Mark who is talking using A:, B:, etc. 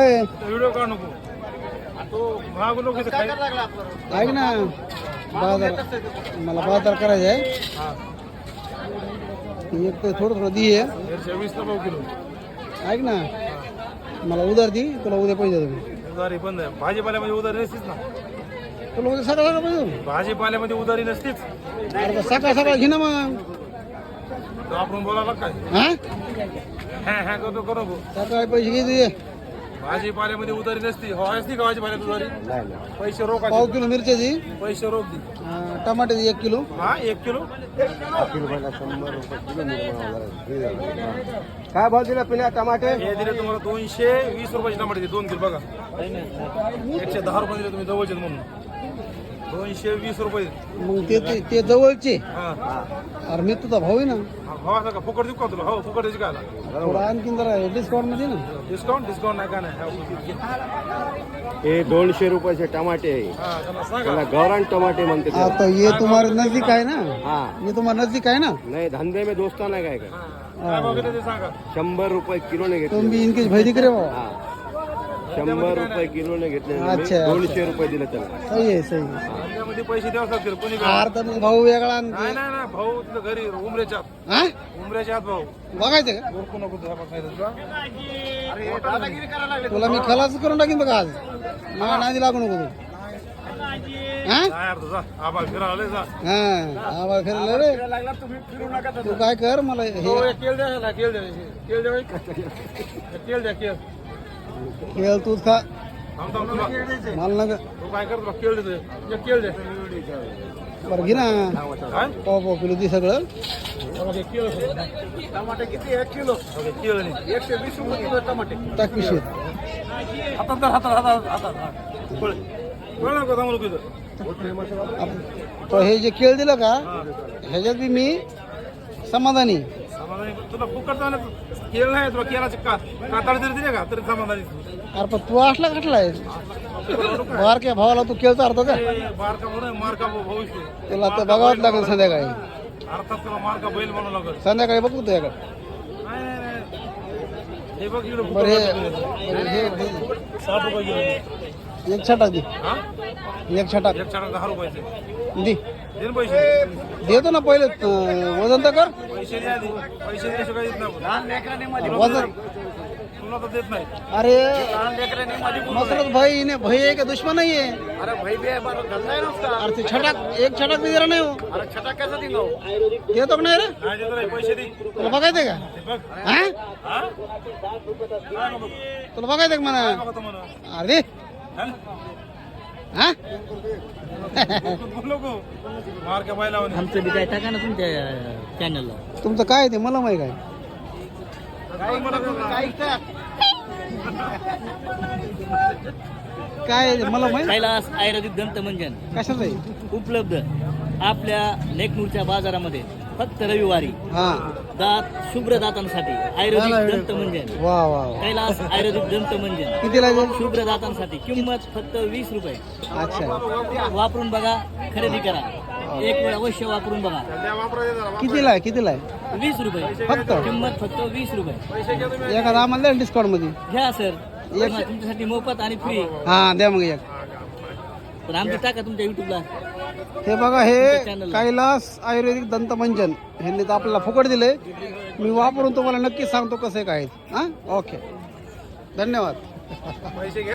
A: आहे
B: व्हिडिओ काढ नको तो मागू नको इथं काय
A: ऐक ना बाजार मला बाजार करायचा आहे एक तर थोडं थोडं दी आहे
B: 20 पाव किलो
A: ऐक ना मला उधार दी तुला उद्या पैसे देतो
B: उधारी बंद आहे भाजीपाल्यामध्ये उधारी नसतीच ना
A: तुला उद्या सकाळ सकाळ पैसे देतो
B: भाजीपाल्यामध्ये उधारी नसतीच
A: अरे सकाळ सकाळ घे ना मग
B: आपण बोलायला काय
A: हा
B: हॅ हॅ करतो करू नको
A: सकाळी पैसे घे तुझे
B: भाजीपाल्यामध्ये उधारी नसती हो असती का भाजीपाल्यात उधारी पैसे रोख
A: पाव किलो मिरच्याची
B: पैसे रोख दे
A: टमाट्याची 1 किलो
B: हा 1 किलो
A: काय भाव दिला पिण्या टमाटे
B: हे दिले तुम्हाला 220 रुपयाचे टमाटे 2 किलो बघा 110 रुपये दिले तुम्ही जवळचे म्हणून 220 रुपये
A: मग ते जवळचे
B: हा
A: अरे मी तुझा भाऊ आहे ना
B: हो असं का फुकट देऊ का तुला हो फुकट द्यायची काय
A: थोडा आणखीन जरा डिस्काउंट मध्ये ना
B: डिस्काउंट नाही का नाही
C: हे 200 रुपयाचे टमाटे आहे
B: हा त्याला सांगा
C: त्याला गौरान टमाटे म्हणते त्याला.
A: आता ये तुम्हारे नजदीक आहे ना
C: हा
A: ये तुम्हारे नजदीक आहे ना
C: नाही धंदे में दोस्ताना काय काय
B: काय भाव घेते ते सांगा
C: 100 रुपये किलोने घेतले
A: तुम भी इनकी भैदी करे भाऊ
C: हा 100 रुपये किलोने घेतले
A: अच्छा,
C: 200 रुपये दिले त्याला
A: सही आहे सही आहे
B: त्यामध्ये पैसे द्यावे लागतील कोणी
A: अर्धा मग भाऊ वेगळा आणि-
B: नाही नाही नाही भाऊ तिथं घरी उमऱ्याच्या आत.
A: हा
B: उमऱ्याच्या आत भाऊ
A: बघायचं का
B: ओळखू नको तुझ्या बघायचं तुला
A: तुला मी खलास करून टाकीन बघा आज मला नादी लागू नको तू हा
B: नाही अर्थ जा आबा फिरायला लय जा
A: हा आवाज फिरलं रे
B: लागला तुम्ही फिरू नका
A: तू काय कर मला हे
B: केळ द्या ह्याला, केळ द्या केळ द्या केळ द्या केळ
A: खेळ तूच खा
B: थांब थांब तुला
A: मला नका
B: तू काय कर तुला केळ देतो एक केळ द्या
A: बरं घे ना
B: काय
A: पाव पाव किलो ती सगळं
B: बघा, एक केळ टमाटे किती 1 किलो केळ नाही 120 रुपये किलो टमाटे
A: टाक पिशवीत
B: हातात धर, हातात पळ नको थांबू नको इथं
A: तर हे जे केळ दिलं का ह्याच्यात बी मी समाधानी
B: समाधानी तुला फुकट झालं केळ नाही तुला केळाचे काताळ जरी दिले का तरी समाधानी
A: अरे पण तू असला कटलाय बारक्या भावाला तू केळचा अर्थ का
B: बारका म्हणून मारका भाऊ असतो.
A: तुला तर बघावंच लागेल संध्याकाळी
B: अर्थात तुला मारका बैल म्हणू लागल
A: संध्याकाळी बघू तुझ्याकडे
B: नाही नाही नाही हे बघ इकडे
A: बरं हे
B: 60 रुपये किलो दे.
A: एक छटाक दे
B: हा
A: एक छटाक
B: एक चार 10 रुपयाचे
A: दे
B: दे ना पैसे
A: देतो ना पहिले वजन तर कर
B: पैसे द्या आधी पैसे द्यायचे काही देत नाही
A: वजन
B: तुला तर देत नाही
A: अरे मसरत भाई ने भाई आहे का दुश्मन नाही आहे
B: अरे भाई बे
A: अरे ते छटाक एक छटाक बी जरा नाही हो
B: अरे छटा कैसा देंगे
A: देतो का नाही रे
B: नाही देत नाही पैसे दे
A: तुला बघायचंय का
B: ते बघ
A: हा
B: हा काय नको
A: तुला बघायचंय का म्हणा
B: बघा तुम्हाला
A: अरे हा
B: बोलू नको मार का बैला
D: आमचं बी काय टाका ना तुमच्या चॅनलला.
A: तुमचं काय आहे ते मला माहिती काय काय आहे ते मला माहिती
D: कैलास आयुर्वेदिक दंतमंजन
A: कशाचं आहे
D: उपलब्ध आपल्या नेकनूरच्या बाजारामध्ये फक्त रविवारी
A: हा
D: दात शुभ्र दातांसाठी आयुर्वेदिक दंतमंजन
A: वा वा वा.
D: कैलास आयुर्वेदिक दंतमंजन
A: किती लागेल
D: शुभ्र दातांसाठी किंमत फक्त 20 रुपये.
A: अच्छा
D: वापरून बघा, खरेदी करा, एक वेळ अवश्य वापरून बघा.
A: कितीला आहे कितीला आहे
D: 20 रुपये
A: फक्त
D: किंमत फक्त 20 रुपये.
A: एखादा आम्हाला द्या डिस्काउंट मध्ये
D: घ्या सर, तुमच्यासाठी मोफत आणि फ्री.
A: हा द्या मग एक
D: पण आमचं टाका तुमच्या युट्यूबला.
A: हे बघा हे कैलास आयुर्वेदिक दंतमंजन ह्यांनी तर आपल्याला फुकट दिले. मी वापरून तुम्हाला नक्की सांगतो कसं आहे काय. हा ओके धन्यवाद.
B: पैसे घे